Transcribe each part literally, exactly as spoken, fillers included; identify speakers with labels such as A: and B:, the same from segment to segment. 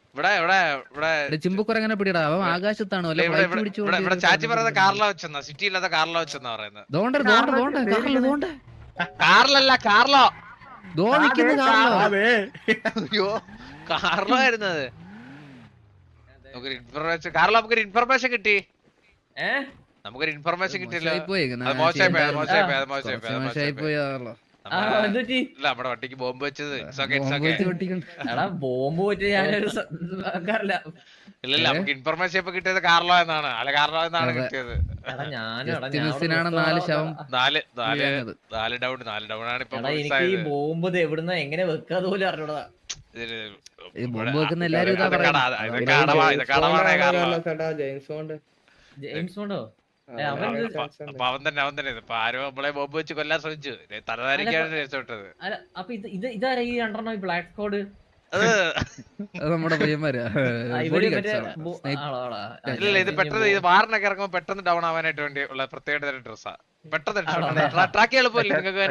A: ഇവിടെ ഇവിടെ ഇവിടെ
B: ചിമ്പുക്കുരങ്ങനെ പിടിടാ അവൻ ആകാശത്താണ് വല്ല
A: ഇവിടെ
B: ഫ്ലൈറ്റ്
A: ഇവിടെ
B: പിടിച്ചു
A: ഇവിടെ ഇവിടെ ചാച്ചി പറയുന്നത് കാറില വെച്ചെന്നാ സിറ്റി ഇല്ലാത്ത കാറില വെച്ചെന്നാ പറയുന്നത്.
B: ദോണ്ട ദോണ്ട ദോണ്ട കാറില് ദോണ്ട
A: കാറിലല്ല കാർലോ
B: ദോ നിക്കുന്ന കാറിലോ.
A: അയ്യോ കാർലോ ആയിരുന്നത്. നമുക്കൊരു ഇൻഫർമേഷൻ കാർലോ നമുക്കൊരു ഇൻഫർമേഷൻ കിട്ടി. നമുക്കൊരു ഇൻഫർമേഷൻ കിട്ടില്ല. മോശമായി പോയി മോശമായി പോയി മോശമായി പോയി നമ്മുടെ വണ്ടിക്ക് ബോംബ് വെച്ചത്.
C: ബോംബ് വെച്ച് ഞാനൊരു
A: ഇല്ലല്ല നമുക്ക് ഇൻഫർമേഷൻ ഇപ്പൊ കിട്ടിയത് കാർലോ എന്നാണ്. അല്ല കാർലോ എന്നാണ് കിട്ടിയത്.
B: നാല് ശവം
A: നാല് നാല് നാല് ഡൗൺ നാല് ഡൗൺ ആണ് ഇപ്പൊ.
C: എനിക്ക് ഈ ബോംബ് എവിടുന്ന എങ്ങനെ വെക്കാതെ പോലും അറിഞ്ഞൂടാ.
B: ബോംബ് വെക്കുന്ന എല്ലാരും
C: ജെയിംസ് ബോണ്ടോ
A: അപ്പൊ അവൻ തന്നെ അവൻ തന്നെ ഇപ്പൊ ആരോ നമ്മളെ ബോംബ് വെച്ച് കൊല്ലാൻ ശ്രമിച്ചു. തലധാരിക്കാണ് രക്ഷപ്പെട്ടത്.
C: അപ്പൊ ഇത് ഇത് ഇതാരാ ഈ രണ്ടെണ്ണം ഈ ബ്ലാക്ക് കോഡ്?
A: അത്
B: നമ്മുടെ പയ്യന്മാരാ.
A: ഇല്ല ഇത് പെട്ടെന്ന് ഇത് വാറിനൊക്കെ ഇറങ്ങുമ്പോ പെട്ടെന്ന് ഡൗൺ ആവാനായിട്ട് വേണ്ടി ഉള്ള പ്രത്യേക തരം ഡ്രസ്സാ. പെട്ടെന്ന് ട്രാക്ക് എളുപ്പമില്ല നിങ്ങൾക്ക്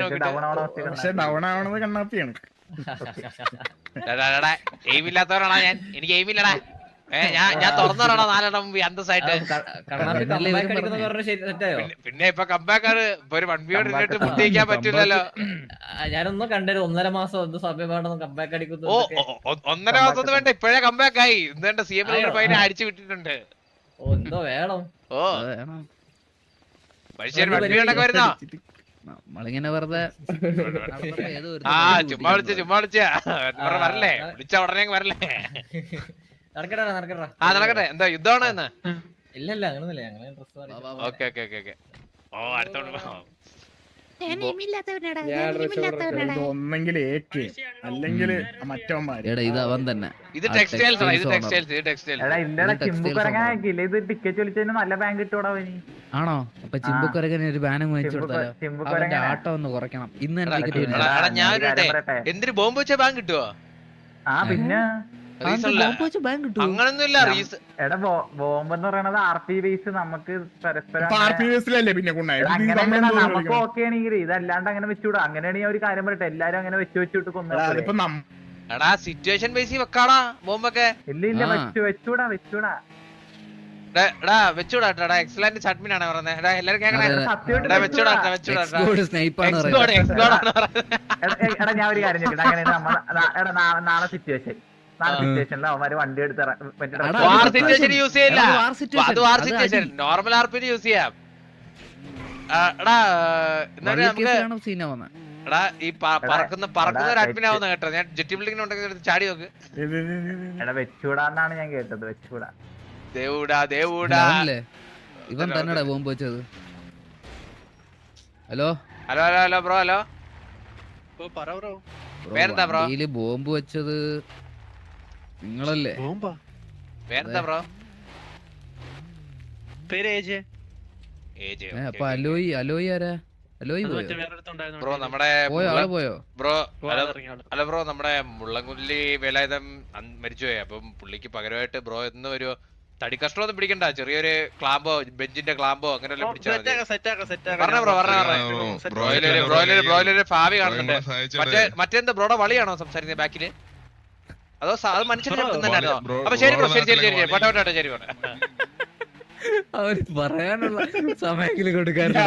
A: എയിം ഇല്ലാത്തവരാണോ ഞാൻ? എനിക്ക് എയിം ഇല്ലടാ. ഞാൻ ഞാൻ തുറന്നോടാ നാലെണ്ണം മുമ്പ് അന്തസ്സായിട്ട്. പിന്നെ ഇപ്പൊ കമ്പാക്കാണ് ഇപ്പൊ ഒരു വൺ ബിയോട് ഇരുന്നിട്ട് മുട്ടിക്കാൻ പറ്റൂലല്ലോ.
C: ഞാനൊന്നും കണ്ടൊരു ഒന്നര മാസം എന്ത് സമയം വേണമെന്ന് കമ്പാക്ക് അടിക്കുന്നു.
A: ഓ ഒന്നര മാസം വേണ്ട ഇപ്പഴേ കമ്പാക്ക് ആയി. ഇന്നേണ്ട സി എം പൈനെ അടിച്ചു വിട്ടിട്ടുണ്ട്.
C: ഓ എന്തോ വേണം. ഓ
A: മനുഷ്യൻ വൺ ബിയോടൊക്കെ വരുന്നോ?
B: നമ്മളിങ്ങനെ വെറുതെ
A: ആ ചുമ്മാ വിളിച്ച ചുമ്മാ വിളിച്ച വരല്ലേ? വിളിച്ച ഉടനെ വരല്ലേ?
C: നടക്കട്ടെ നടക്കട്ടെ.
A: ആ നടക്കട്ടെ. എന്താ യുദ്ധമാണോ ഇന്ന്?
C: ഇല്ലല്ല അങ്ങനൊന്നുമില്ല. ഞങ്ങള് dress
A: okay okay okay okay. ഓ അടുത്തോണ്ട്
D: ഒന്നെങ്കിൽ ഏക്ക് അല്ലെങ്കിൽ മറ്റവന്മാര്.
B: ഇത് അവൻ തന്നെ.
A: ഇത് ടെക്സ്റ്റൈൽസ് ഇത് ടെക്സ്റ്റൈൽസ് ഇത് ടെക്സ്റ്റൈൽസ്.
E: ടിക്കറ്റ് വിളിച്ചതിന് നല്ല ബാങ്ക് കിട്ടൂടാ.
B: ആണോ? അപ്പൊ ചിമ്പുക്കുരകന് ഒരു ബാനം വാങ്ങിച്ചു കൊടുത്താലോ? അവന്റെ ആട്ടം ഒന്ന് കുറയ്ക്കണം. ഇന്ന് തന്നെ ടിക്കറ്റ്.
A: ഞാൻ എന്തിന് ബോംബ് വെച്ച ബാങ്ക് കിട്ടുവോ?
E: ആ പിന്നെ
A: അങ്ങനൊന്നുമില്ല.
E: എടാ ബോംബ് എന്ന് പറയണത് ആർ പി ബേസ് നമുക്ക് പരസ്പരം
D: പിന്നെ
E: നമുക്ക് ഓക്കെ ആണെങ്കിൽ ഇതല്ലാണ്ട് അങ്ങനെ വെച്ചുകൂടാ. അങ്ങനെയാണെങ്കിൽ ഒരു കാര്യം പറയട്ടെ, എല്ലാരും അങ്ങനെ വെച്ച് വെച്ചിട്ട് കൊന്നു.
A: എടാ സിറ്റുവേഷൻ ബേസിൽ വെക്കാടാ ബോംബൊക്കെ.
E: ഇല്ല ഇല്ല വെച്ചു വെച്ചൂടാ വെച്ചൂടാ
A: എടാ വെച്ചൂടാ. എക്സലന്റ് അഡ്മിൻ ആണ് പറയുന്നത്. എടാ എല്ലാരും കേൾക്കണേ. വെച്ചൂടാ വെച്ചൂടാ.
E: എടാ ഞാൻ ഒരു കാര്യം ചോദിക്കട്ടെ. അങ്ങനെ എടാ നാളെ സിറ്റുവേഷൻ നാളെ സിറ്റുവേഷനിൽ അവന്മാര് വണ്ടി എടുത്ത്
A: നോർമൽ ആർപിന് യൂസ് ചെയ്യാം. എടാ എടാ ഈ പറക്കുന്ന പറക്കുന്ന ഒരു അഡ്മിൻ ആവുന്ന കേട്ടോ. ഞാൻ ജെറ്റി ബിൽഡിംഗ് ഉണ്ടെങ്കിൽ ചാടി നോക്ക്.
E: എടാ വെച്ചൂടാന്നാണ് ഞാൻ കേട്ടത്. വെച്ചൂടാ
A: ദേവൂടാ ദേവൂടാ.
B: ഇവൻ തന്നെടാ ബോംബ് വെച്ചത്. Hello
A: hello hello hello bro. Hello പേരെന്താ ബ്രോ?
B: ബോംബ് വെച്ചത് നിങ്ങളല്ലേ?
A: പേരെന്താ ബ്രോ?
B: അപ്പൊ അലോയി അലോയി ആരാ? അലോയി
A: ബ്രോ നമ്മുടെ
B: പോയോ
A: ബ്രോ? അല്ല ബ്രോ നമ്മുടെ മുള്ളൻകുല്ലി വേലായുധം മരിച്ചുപോയി. അപ്പം പുള്ളിക്ക് പകരമായിട്ട് ബ്രോ എന്ന് ഒരു തടി കഷ്ടം ഒന്നും പിടിക്കണ്ട. ചെറിയൊരു ക്ലാമ്പോ ബെഞ്ചിന്റെ ക്ലാമ്പോ അങ്ങനെ പറഞ്ഞ ബ്രോ പറഞ്ഞ ബ്രോയിലൊരു ബ്രോയിലൊരു ബ്രോയിലൊരു ഭാവി കാണുന്നുണ്ട്. മറ്റേ മറ്റെന്താ ബ്രോയുടെ വളിയാണോ സംസാരിക്കുന്നത് ബാക്കില്? അതോ അത് മനുഷ്യനെ തന്നെയാണോ? അപ്പൊ ശരി ബ്രോ. ശരി ശരി ശരി പോട്ടെ പോട്ടെ. ശരി പോട്ടെ.
B: അവര് പറയാനുള്ള സമയത്തില് കൊടുക്കാറില്ല.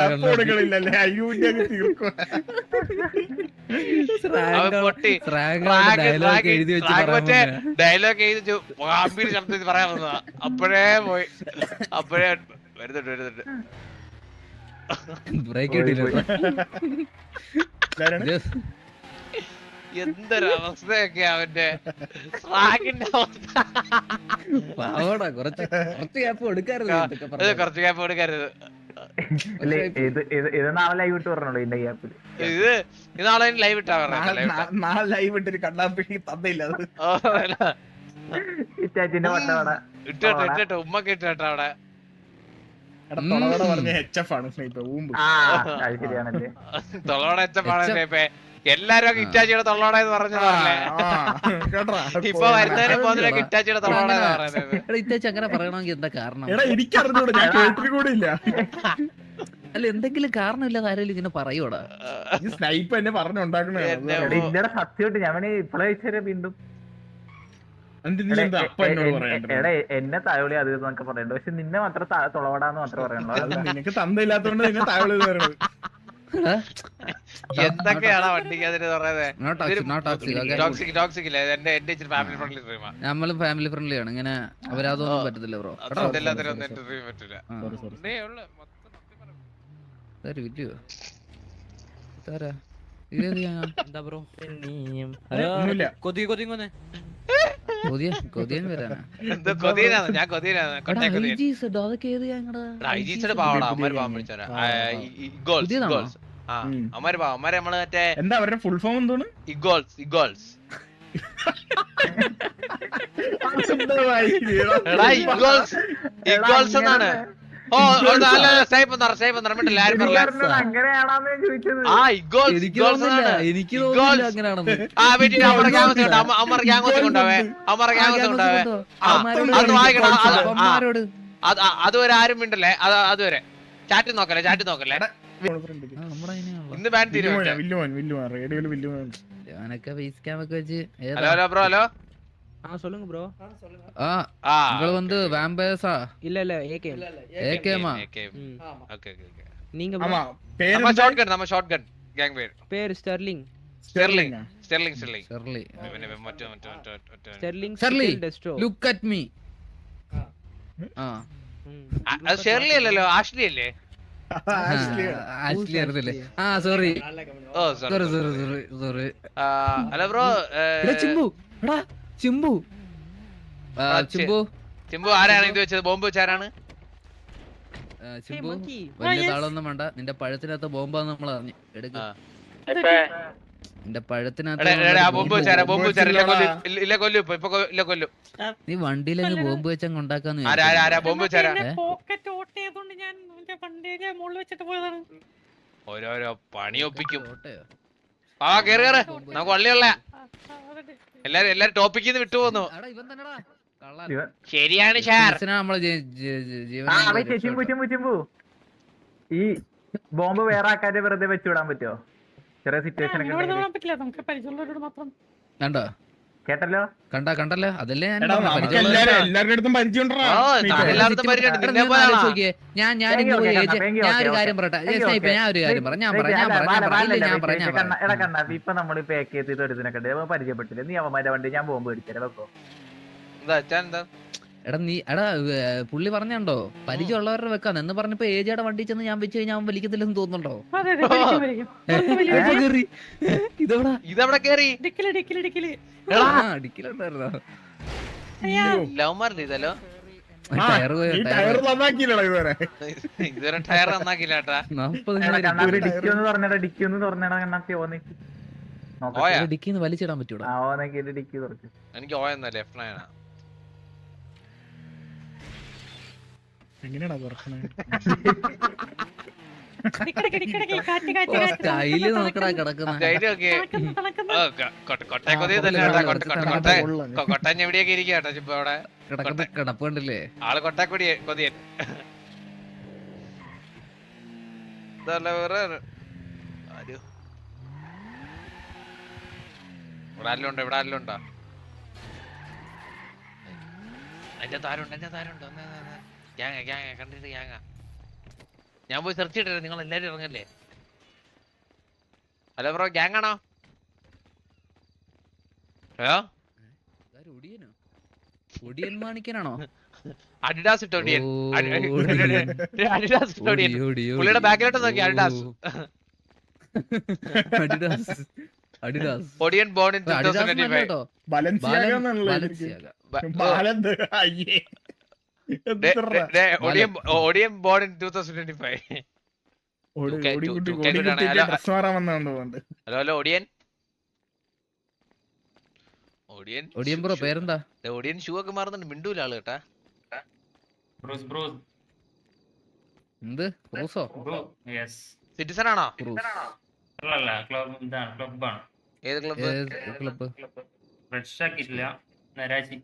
A: ഡയലോഗ് എഴുതി ഗംഭീര ശബ്ദത്തിൽ പറയാൻ വന്നതാ. അപ്പോഴേ പോയി. അപ്പോഴേ വരുന്നുണ്ട് വരുന്നുണ്ട്.
B: ബ്രേക്ക് കിട്ടിയില്ല.
A: എന്തൊരവസ്ഥയൊക്കെ അവന്റെ റാഗിന്റെ അവസ്ഥ.
B: കുറച്ച് കുറച്ച് ഗ്യാപ്പ് കൊടുക്കരുത്.
A: കുറച്ച് ഗ്യാപ്പ് കൊടുക്കരുത്.
E: ഇത് നാളെ ലൈവ് ഇട്ട് പറഞ്ഞോളൂ. ഇതിന്റെ ഗ്യാപ്പിൽ
A: ഇത് ഇന്നാളെ ലൈവ് ഇട്ടാ പറഞ്ഞ
D: നാളെ ലൈവ് ഇട്ടൊരു കണ്ണാപ്പി തന്നില്ല.
E: ഇറ്റാച്ചിന്റെ വട്ടവട
A: ഇട്ടോ ഇട്ടോ ഉമ്മക്ക് ഇട്ടോ അവിടെ
D: പറഞ്ഞ എച്ച് എഫ് ആണ് സ്നൈപ്പർ.
E: ശരിയാണല്ലേ?
A: തൊളോടെ എച്ച് എഫ് ആണ് സ്നൈപ്പേ. എല്ലാരും ഇറ്റാച്ചിയുടെ തൊള്ളോടെ എന്ന് പറഞ്ഞല്ലേ? ഇപ്പൊ വരുന്നതിന് പോകുന്നതിനൊക്കെ ഇറ്റാച്ചിയുടെ തൊള്ളോടെ പറയുന്നത്.
B: ഇറ്റാച്ചി അങ്ങനെ പറയണമെങ്കിൽ എന്താ കാരണം?
D: എനിക്കറിഞ്ഞൂടാ, ഞാൻ കേട്ടിട്ട് കൂടെ ഇല്ല.
B: അല്ല എന്തെങ്കിലും കാരണമില്ലാതെ ആരെങ്കിലും ഇങ്ങനെ പറയൂടാ?
D: ഈ സ്നൈപ്പ് എന്നെ പറഞ്ഞുണ്ടാക്കണേ.
E: സത്യമായിട്ട് ഞാൻ ഇപ്പളെ വീണ്ടും
D: എന്നിട്ട് നീ എന്താ അപ്പ എന്നോട് പറയണ്ടേ?
E: എടാ എന്നെ തായോളി അത് എന്നൊക്കെ പറയണ്ട, പക്ഷെ നിന്നെ മാത്രം തുളവടാന്ന് മാത്രമേ പറയണല്ലോ.
D: അത് നിനക്ക് തന്തയില്ലാത്തോണ്ട് നിന്നെ താഴെ പറയണത്.
A: എന്തൊക്കെയാണോ വണ്ടിക്ക് അതിന്
B: Not toxic, not toxic, okay.
A: Toxic toxic ഇല്ല എന്റെ എന്റെ ഇച്ചിരി ഫാമിലി ഫ്രണ്ട്ലി ഡ്രീമാ.
B: നമ്മള് ഫാമിലി ഫ്രണ്ട്ലി ആണ്, ഇങ്ങനെ അവരതൊന്നും
A: ഓ.
B: പറ്റത്തില്ല ബ്രോ.
A: എല്ലാത്തിനും ഒന്നും എന്റെ ഡ്രീം പറ്റില്ല.
D: Sorry, sorry.
A: ഇതേ ഉള്ളു, മൊത്തം സത്യം പറയാം.
B: വില്ലയോ ഇതാരാ? ഇതേത് ഗാങ്ങാ?
F: എന്താ ബ്രോ?
D: ഒന്നുമില്ല.
F: കൊതി കൊതി കൊന്നെ
B: കൊതിയൻ കൊതിയൻ വരാനാ?
A: എന്തോ കൊതിയനാണ്, ഞാൻ കൊതിയനാണ്. കൊട്ടേ കൊതിയൻ.
B: അതൊക്കെ ഏത് ഗാങ്ങടാ?
A: ഐജീസിയുടെ പാവടാ, അമ്മര് പാവം പിടിച്ചാ. ഇഗോൾസ്
B: പുതിയതാണോ?
A: ഇഗോൾസ് ആ അമ്മര് പാവം, അമ്മര് നമ്മള് മറ്റേ
D: എന്താ അവരുടെ ഫുൾ ഫോം എന്താണ്?
A: ഇഗോൾസ് ഇഗോൾസ് എടാ ഇഗോൾസ് ഇഗോൾസ് എന്നാണ്. ഓ അല്ല സേഫ് എന്ന് പറ, സേഫ് എന്ന് പറഞ്ഞിട്ടില്ല, ആരും പറയില്ല.
E: അങ്ങനെയാണോന്ന് ഞാൻ ചോദിച്ചത്.
A: ആ ഇഗോൾസ്
B: എനിക്ക്
A: ഇഗോൾസ്
B: തോന്നുന്നില്ല,
A: എന്നാണ്.
B: എനിക്ക് തോന്നുന്നില്ല
A: ഇഗോൾസ്.
B: അങ്ങനെയാണെന്ന്.
A: ആ വീട്ടിൽ അമ്മറ ഗ്യാങ്സ് ഉണ്ട്, അമ്മറ ഗ്യാങ്സ് കൊണ്ടാവേ, അമ്മറ ഗ്യാങ്സ് കൊണ്ടാവേ. ആ, അത് വായിക്കണം. അത് ആ,
B: അവന്മാരോട്
A: അത് ആ, അതുവരെ ആരും മിണ്ടല്ലേ, അത് അതുവരെ ചാറ്റ് നോക്കല്ലേ, ചാറ്റ് നോക്കല്ലേ.
B: ആ, നമ്മുടെ അതിനെയാണല്ലോ.
A: ഇന്ന് ബാൻ തീരുമാനം.
D: വില്ലുമോൻ വില്ലുമോൻ വില്ലുമോൻ റേഡിയോയില് വില്ലുമോൻ.
B: ഞാനൊക്കെ ഫേസ് ക്യാം ഒക്കെ വെച്ച് ഏതാ?
A: Hello hello bro hello.
F: ஆ சொல்லுங்க ப்ரோ.
B: ആ
A: ആ
B: നിങ്ങൾ வந்து വാമ്പയേഴ്സാ?
F: இல்ல இல்ல ஏகேஎம்.
B: ഏകേമാ?
F: ம்.
A: Okay okay okay.
F: நீங்க
D: ആമാ
A: നമ്മ
D: പേര്
A: ഷോട്ട് ഗൺ, നമ്മ ഷോട്ട് ഗൺ ഗാങ് പേര്
F: பேர் Sterling.
A: Sterling Sterling Sterling
B: Shirley.
A: പിന്നെ മറ്റേ മറ്റേ മറ്റേ മറ്റേ
F: ஸ்டெர்லிங்
B: ഷെർലി
F: டெஸ்ட்ரோ.
B: Look at me. ആ
F: ம்.
A: ആ, അത് ഷെർലി അല്ലല്ലോ, ആഷ്ലി അല്ലേ?
B: ആഷ്ലി അറിയില്ലേ? ആ സോറി
A: ഓ
B: sorry
A: sorry
B: sorry sorry sorry.
A: Hello bro.
B: എടാ ചിമ്പു, എടാ ചിമ്പു. ആ,
A: ആ, ചി-
B: ചിമ്പു
A: ചിമ്പു ആരാണ് ഇത് വെച്ചത്? ബോംബ് വെച്ചാരാണ്?
B: ആ, ചിമ്പു
F: monkey.
B: വലിയ താളൊന്നും വേണ്ട. നിന്റെ പഴത്തിനകത്ത് ബോംബാന്ന് നമ്മൾ അറിഞ്ഞു. എടുക്ക
A: ആ.
B: നിന്റെ പഴത്തിനകത്ത്
A: എടാ, എടാ, എടാ, ആ ബോംബ് വെച്ചാരാ? ബോംബ് വെച്ചാരാ? ഇല്ല
D: വെച്ചില്ലടാ.
A: കൊല്ലു, ഇല്ല, ഇല്ല കൊല്ലു, ഇപ്പൊ ഇപ്പൊ കൊ- ഇല്ല കൊല്ലു.
B: നീ വണ്ടിയിലങ്ങ് ബോംബ് വെച്ചങ്ങ് ഉണ്ടാക്കാന്ന്
A: ആരാ ആരാ ആരാ ബോംബ് വെച്ചാരാ?
G: പോക്കറ്റ് ഓട്ട് ചെയ്തോണ്ട് ഞാൻ മറ്റേ വണ്ടിയുടെ മുകളിൽ വെച്ചിട്ട് പോയതാണ്.
A: ഓരോരോ പണി ഒപ്പിക്കും.
B: ഓട്ടയോ?
A: ആ കേറി കേറ്, നമുക്ക് വള്ളിയുള്ള
G: ആ, ആ, അതെ.
A: എല്ലാരും എല്ലാരും ടോപ്പിക്കിൽ നിന്ന് വിട്ടുപോന്നു.
B: എടാ, ഇവൻ തന്നെടാ കള്ളൻ.
E: ഇവൻ-
A: ശരിയാണ് ഷാർ.
B: ബിസിനസ്സിനാ നമ്മള് ജീ- ജീ- ജീ- ജീവനെ
E: ആ
B: നമ്മള്
E: വെച്ച് ചിമ്പു
B: രക്ഷപ്പെട്ടു.
E: ചിമ്പു ചിമ്പു ഈ ബോംബ് വേറെ ആൾക്കാരെ വെറുതെ വെച്ചുവിടാൻ പറ്റുമോ? ചെറിയ സിറ്റുവേഷൻ ഒക്കെ
G: അങ്ങോട്ട്
E: ഉണ്ടെങ്കില്.
G: തൊടാൻ പറ്റില്ല, നമുക്ക് പരിചയമുള്ളവരോട് മാത്രം.
B: കണ്ടോ?
E: കേട്ടല്ലോ.
B: കണ്ട കണ്ടല്ലോ, അതല്ലേ ഞാൻ
D: എടാ
B: പറഞ്ഞത്.
D: നമുക്ക്
B: പരിചയമുള്ള-
D: എല്ലാരും എല്ലാവരുടെ അടുത്തും പരിചയം ഉണ്ടെടാ.
A: ഓ,
D: സ്നേഹിതരെ.
A: താൻ എല്ലായിടത്തും പരിചയമുണ്ട്.
B: എടാ,
A: നിന്നെ
B: നീ ഒന്ന്
A: പോലെയാണോ?
B: ആലോചിച്ച് നോക്കിയേ. ഞാൻ ഞാൻ
E: Thank you,
B: ഇന്ന് പോയി
E: okay,
B: ഏജ്-
E: thank you,
B: ഞാൻ ഒരു
E: okay,
B: കാര്യം
E: okay.
B: പറയട്ടെ.
E: Thank you,
B: സ്നേഹിപ്പേ,
E: okay.
B: ഞാൻ ഒരു കാര്യം പറയാം. ഞാൻ പറയാം ഞാൻ
E: അല്ല,
B: പറയാം ഞാൻ
E: ബാല,
B: പറയാം
E: ബാല,
B: ഇല്ല, ഞാൻ പറയാം ഞാൻ
E: കണ്ണ-
B: പറയാം.
E: എടാ കണ്ണ ഇപ്പൊ നമ്മൾ പാക്ക് ചെയ്തിട്ട് ഒരുത്തിനൊക്കെ ഉണ്ട്, പരിചയപ്പെട്ടില്ല. നീ അവന്മാരുടെ വണ്ടി ഞാൻ ബോംബ് മേടിച്ചേ വെക്കോ.
A: എന്താ അച്ഛൻ എന്താ?
B: എടാ നീ എടാ ഏ, പുള്ളി പറഞ്ഞോ പരിചയമുള്ളവരുടെ വെക്കാന്ന് എന്ന് പറഞ്ഞപ്പോ ഏജയുടെ വണ്ടി ചെന്ന് ഞാൻ വെച്ച് കഴിഞ്ഞാൽ അവൻ വലിക്കത്തില്ലെന്ന് തോന്നുന്നുണ്ടോ?
G: അതെ, അതെ, വലിക്കും, വലിക്കും. പുറത്ത് വലിയ
B: എപ്പോ കേറി? ഇതെവിടാ?
A: ഇതെവിടെ കേറി?
G: ഡിക്കില്, ഡിക്കില്, ഡിക്കില്.
B: ആ, ഡിക്കിലുണ്ടായിരുന്നോ?
G: അയ്യാ,
A: ലവ് മാർന്ന് ഇതല്ലോ.
D: ആ,
B: ടയറ് പോയ
D: ഈ
B: ടയറ്
D: ടയർ നന്നാക്കിയില്ലടാ ഇതുവരെ.
A: ഇതുവരെ ടയർ നന്നാക്കില്ല കേട്ടാ.
B: നാപ്പത്
E: എടാ കണ്ണാപ്പി
D: ഒരു
E: ഡിക്കി ഒന്ന് തുറന്നേടാ, ഡിക്കി ഒന്ന് തുറന്നേടാ കണ്ണാപ്പി. ഓന്നേക്ക് നോക്കാം.
A: ഓയാ
B: ഡിക്കിന്ന് വലിച്ചിടാൻ പറ്റൂടാ?
E: ആ ഓന്നേക്ക് ഡിക്കി തുറക്ക്.
A: എനിക്ക് ഓയെന്നാ ലെഫ്റ്റ് നയനാ.
D: എങ്ങനെയാടാ തുറക്കണേ?
G: Dickey, dickey, dickey, dickey. കാറ്റ്, കാറ്റ്,
B: ഓ,
G: കാറ്റ്.
B: സ്റ്റൈല് നോക്കടാ കിടക്കുന്ന.
A: ധൈര്യം ഒക്കെ
G: തണുക്കുന്നു, തണുക്കുന്നു.
A: കൊട്ടേ കൊതി തന്നെ
B: ആ,
A: കേട്ടാ.
B: കൊള്ളാം,
A: കൊട്ട കൊട്ട
B: കൊള്ളാം,
A: കൊട്ട
D: കൊള്ളാം.
A: കൊട്ടഞ്ഞ എവിടെയൊക്കെ ഇരിക്കുക കേട്ടോ ഇപ്പൊ അവിടെ.
B: കിടക്കുന്ന കിടപ്പ് കണ്ടില്ലേ?
A: ആള് കൊട്ടാക്കൊടി കൊതിയൻ. ഇതല്ല വേറെ ആര്? ഇവിടെ ആരെല്ലാം ഉണ്ടോ? ഇവിടെ ആരെല്ലാം ഉണ്ടോ? എന്റെ താരുണ്ട്, എന്റെ താരുണ്ട്. ഗ്യാങ്ങ ഗ്യാങ്ങ കണ്ടിട്ട് ഗ്യാങ്ങ. ഞാൻ പോയി സെർച്ച് ചെയ്തിട്ട് നിങ്ങൾ എല്ലാരും ഇറങ്ങല്ലേ? ഹലോ ബ്രോ, ഗ്യാങ് ആണോ? ഹലോ,
B: ഇതാര് ഒടിയനോ? ഒടിയൻ മാണിക്കനാണോ?
A: അഡിഡാസ് ഇട്ടോ ഒടിയൻ.
B: ഓ,
A: അഡിഡാസ് ഇട്ടോ ഒടിയൻ.
B: ഓടി, ഓടി, ഓടി.
A: പുള്ളിയുടെ ബാക്കിലോട്ട് നോക്കി അഡിഡാസ്.
B: ഓ. Adidas Adidas
A: Odiyan born in
B: Adidas
A: twenty
B: നല്ല
A: twenty-five.
B: കേട്ടോ.
D: ബലൻസിയാഗ
B: ബാലൻ-
D: എന്നുള്ളത്
B: ബാലൻസിയാഗ.
D: ബാലന്ത് അയ്യേ എത്രടാ?
A: Odiyan Odiyan born in twenty twenty-five.
D: ഓടി
A: ടു കെ-
D: ഓടി
A: ടു-
D: കുട്ടി
A: ടു
D: ഓടി
A: കെ
D: കുട്ടിക്ക്
A: ഹലോ.
D: ഡ്രസ് മാറാൻ വന്നതുകൊണ്ട് പോകുന്നുണ്ട്.
A: Hello hello Odiyan. Odiyan
B: Odiyan bro പേരെന്താ?
A: ദേ, ഒടിയൻ ഷൂ ഒക്കെ മാറുന്നുണ്ട്. മിണ്ടൂല ആള് കേട്ടാ.
H: Bruce, Bruce,
B: എന്ത് ക്രൂസോ?
H: Bruce, yes.
A: സിറ്റിസൺ ആണോ?
B: ക്രൂസ്
H: അല്ലല്ല ക്ലബ് ഇതാണ് ക്ലബാണ്.
A: ഏത് ക്ലബ്ബ്?
B: ക്ലബ്?
H: റെഡ് സ്റ്റാക്ക് ഇല്ല, നരാജി.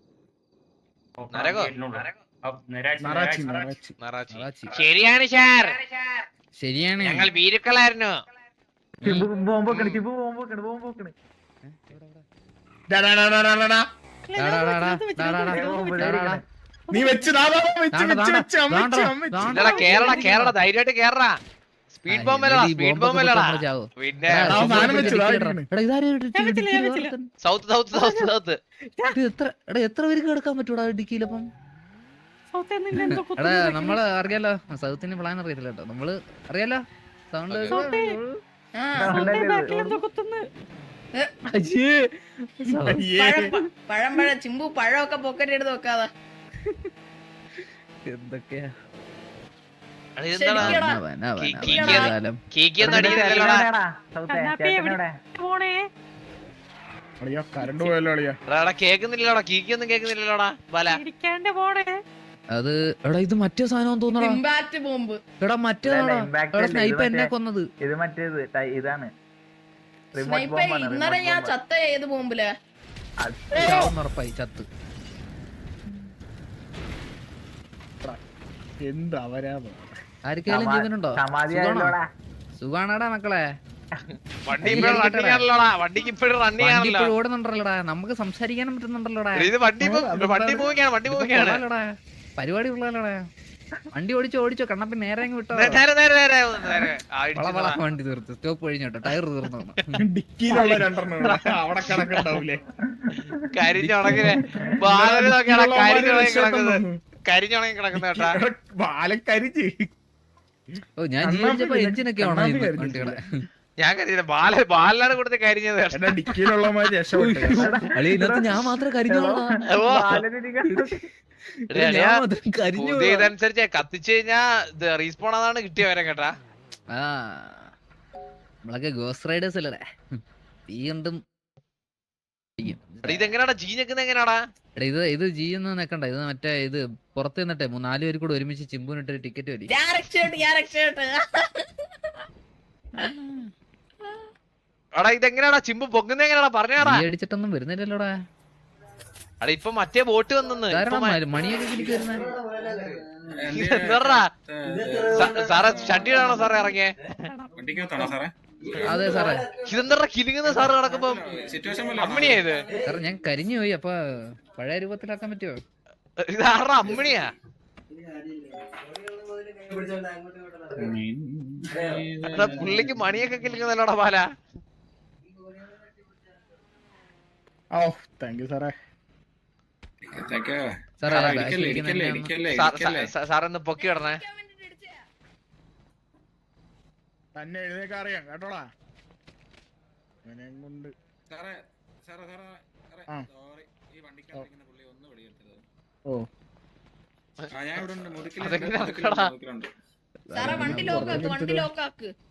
A: നരകോ?
H: അപ്പ് നരാജി
D: നറാച്ചി
H: നരാജി.
D: നറാച്ചി
A: നറാച്ചി.
B: നറാച്ചി.
A: ശരിയാണ് ഷാർ,
B: ശരിയാണ്.
A: ഞങ്ങൾ ഭീരുക്കളായിരുന്നു.
E: ചിമ്പു ബോംബ് വെക്കണ്, ചിമ്പു ബോംബ് വെക്കണ്, ബോംബ് വെക്കണ്.
D: ഡാ, ഡാ, ഡാ, ഡാ, ഡാ, ഡാ.
B: ഡാ, ഡാ, ഡാ, ഡാ, ഡാ, ഡാ, ഡാ, ഡാ.
D: നീ വെച്ച് ദാ, ദാ, വെച്ച്
B: ദാണ്ട,
D: വെച്ച്
B: ദാണ്ട,
D: വെച്ച് അമ്മ
B: ദാണ്ട,
D: വെച്ച് അമ്മ വെച്ച്.
B: ദാണ്ട.
A: ഇല്ലടാ കേരള കേരള ധൈര്യമായിട്ട് കേറടാ സ്പീഡ് ബോംബ് അല്ലടാ
B: ഈ
A: സ്പീഡ്
B: ബോംബൊക്കെ
A: ബോംബ് അല്ലടാ
B: പൊട്ടുമ്പോ ചാവോ?
A: പിന്നെ
B: എടാ,
D: ആ, സാധനം
B: ഡിക്കി
D: വെച്ചു,
B: ഇടടാ.
D: ദാ ഇരിക്കണ്.
B: എടാ, ഇതാരും ഒരു
G: ഞാൻ വെച്ചില്ല, ഞാൻ
B: ഡിക്കിയിൽ
G: വെച്ചില്ല.
B: വളർത്തുന്നു.
A: സൗത്ത് സൗത്ത് സൗത്ത് സൗത്ത്
B: ഇത് എത്ര എടാ എത്ര പേർക്ക് കിടക്കാൻ പറ്റൂടാ ഡിക്കിയിലപ്പം?
G: സൗത്തിൽ നിന്ന് എന്തോ
B: എടാ
G: കുത്തുന്നു ബാക്കില്.
B: നമ്മള് അറിയാലോ സൗത്തിന് പ്ലാൻ അറിയത്തില്ല കേട്ടോ നമ്മള് അറിയാലോ സൗണ്ട്
A: Okay.
G: സൗത്തേ,
E: ആ,
G: സൗത്തേ ബാക്കിൽ എന്തോ കുത്തുന്നു.
B: അയ്യേ
D: അയ്യേ.
I: പഴം പ- പഴം പഴം ചിമ്പു പഴമൊക്കെ പോക്കറ്റ് എടുത്ത് വെക്കാതെ
B: എന്തൊക്കെയാ
A: എടാ, ഇതെന്താടാ
I: ശരിക്കും.
B: നവ, നവ,
A: കീ-
B: നവ,
A: കീക്കിയ-
B: നവകാലം.
A: കീക്കിയൊന്നും അടിക്കുന്നില്ലല്ലോടാ
E: ചേട്ടനെവിടെയാടാ? സൗത്തേ,
G: കണ്ണാപ്പി എവിടെ?
E: ചേട്ടനെവിടെ?
G: പോണേ
D: അളിയാ കരണ്ട് പോയല്ലോ അളിയാ.
A: എടാ എടാ, കേക്കുന്നില്ലല്ലോടാ കീക്കിയൊന്നും കേക്കുന്നില്ലല്ലോടാ ബാല
G: ഇരിക്കാണ്ട് പോണേ.
B: അത് എടാ ഇത് മറ്റേ സാധനം തോന്നടാ
I: ഇമ്പാക്ട് ബോംബ്
B: എടാ മറ്റേതാടാ
E: ഇല്ല, impact
B: എടാ
E: അല്ല,
B: സ്നൈപ്പ്
E: ഇത്
B: എന്നെ
E: മറ്റേ-
B: കൊന്നത്
E: ഇത് മറ്റേത് ടൈ- ഇതാണ് റിമോട്ട്
I: സ്നൈപ്പർ
E: ബോംബാണ്
I: ഇന്നലെ ഞാൻ
E: റിമോട്ട്
I: ചത്ത ഏത് ബോംബില്
B: ചാവുന്ന് ഉറപ്പായി ചത്ത്
D: എന്ത് അവരാധം.
B: ആർക്കെങ്കിലും ജീവനുണ്ടോ
E: സമാധിയായല്ലോടാ.
B: സുഖാണാടാ മക്കളെ
A: വണ്ടി ഇപ്പോഴും റണ്ണിങ് ആണല്ലോടാ വണ്ടിക്ക് ഇപ്പോഴും റണ്ണിങ്
B: വണ്ടി
A: ആണല്ലോ
B: ഇപ്പോഴും ഓടുന്നുണ്ടല്ലോടാ നമുക്ക് സംസാരിക്കാനും പറ്റുന്നുണ്ടല്ലോടാ
A: എടാ, ഇത് വണ്ടി മൂ- വണ്ടി മൂവിങ്ങാണ് വണ്ടി മൂവിങ്ങാണ്
B: കൊള്ളാലോടാ പരിപാടി ഉള്ളല്ലോടാ വണ്ടി ഓടിച്ചോ ഓടിച്ചോ കണ്ണപ്പി നേരെ അങ്ങ് വിട്ടോ
A: നേരെ നേരെ നേരെ നേരെ നേരെ ആ,
B: വള
A: ഇടിച്ചതാ.
B: വള വണ്ടി തീർത്ത് സ്റ്റോപ്പ് കഴിഞ്ഞോട്ടോ ടയർ തീർന്നു
D: ഡിക്കിയിലുള്ള രണ്ടെണ്ണം ഇവിടെ. അവിടെ കിടക്കണ്ടാവൂലേ.
A: കരിഞ്ഞുണങ്ങിനെ ബാലന് നോക്കിയാടാ കരിഞ്ഞുണങ്ങി കിടക്കുന്നത്
D: രക്ഷപ്പെട്ടു.
A: കരിഞ്ഞുണങ്ങി കിടക്കുന്ന കേട്ടാ
D: ഇവിടെ ബാലൻ കരിച്ച്.
B: ഓ ഞാൻ
D: കണ്ണാപ്പി
B: ജീവിച്ചപ്പോ
D: പിന്നെ-
B: എഞ്ചിനൊക്കെ ആണോ
D: കണ്ണാപ്പി
B: ഇത്
D: കരിഞ്ഞിട്ടില്ല.
B: വണ്ടികളെ
A: ഞാൻ കരിഞ്ഞില്ല ബാല ബാലനാണ് കൊടുത്ത് കരിഞ്ഞത് കേട്ടോ.
D: എടാ ഡിക്കിയിലുള്ളമാര് രക്ഷപ്പെട്ടു.
B: അളി ഇതിനകത്ത് ഞാൻ മാത്രം കരിഞ്ഞോളാ
A: ഓ,
E: ബാലനിരിക്കുന്നു.
A: എടാ, എടാ,
B: ഞാൻ മാത്രം കരിഞ്ഞു
A: പുതിയ ഇതനുസരിച്ച് കത്തിച്ചു കഴിഞ്ഞാ ഇത് റീസ്പോൺ അതാണ് കിട്ടിയവരെ കേട്ടാ
B: ആ നമ്മളൊക്കെ ഗോസ് റൈഡേഴ്സ് അല്ലേ തീ കണ്ടും ചെയ്യും.
A: എടാ, ഇതെങ്ങനെയാടാ ജീഞ്ഞെക്കുന്ന എങ്ങനെയാടാ
B: എടാ ഇത് ഇത് ജീയൊന്നും നിക്കണ്ട ഇത് മറ്റേ ഇത് പുറത്ത് നിന്നിട്ടെ നാല് പേര് കൂടെ ഒരുമിച്ച് ചിമ്പുനിട്ടൊരു ടിക്കറ്റ് വലി
I: ഞാൻ രക്ഷപ്പെട്ട് ഞാൻ രക്ഷപ്പെട്ട്
A: എടാ ഇതെങ്ങനെയാടാ ചിമ്പ് പൊങ്ങുന്ന എങ്ങനെയാടാ പറഞ്ഞാടാ
B: തീ അടിച്ചിട്ടൊന്നും വരുന്നില്ലല്ലോടാ
A: എടാ ഇപ്പൊ മറ്റേ ബോട്ട് വന്നെന്ന്
B: കാരണം മണിയൊക്കെ കിളിക്ക് വരുന്നേ
A: എന്താ സാറേ ഷട്ടിയിലാണോ സാറേ ഇറങ്ങിയേ
B: അതെ സാറേ
A: ഇതെന്താ കിലുങ്ങുന്ന സാറ് നടക്കുമ്പോ അമ്മണിയായത്
B: സാറേ ഞാൻ കരിഞ്ഞു പോയി അപ്പൊ പഴയ രൂപത്തിലാക്കാൻ പറ്റുമോ
A: ഇതാറാ അമ്മണിയാ എടാ, പുള്ളിക്ക് മണിയൊക്കെ കിലുങ്ങുന്നല്ലോടാ ബാല
D: ഓ താങ്ക് യു സാറേ.
B: സാറേ ബാക്കിലിരിക്കുന്ന എന്നെ ഒന്ന്
A: സാറൊന്ന് പൊക്കി ഇടണേ
D: തന്നെ എഴുന്നേക്കാൻ അറിയാം കേട്ടോടാ. ഇവനെയും കൊണ്ട് ആ. ഓ
A: അതെങ്ങനെ നടക്കടാ
I: സാറേ വണ്ടി ലോക്കാക്ക് വണ്ടി ലോക്കാക്ക്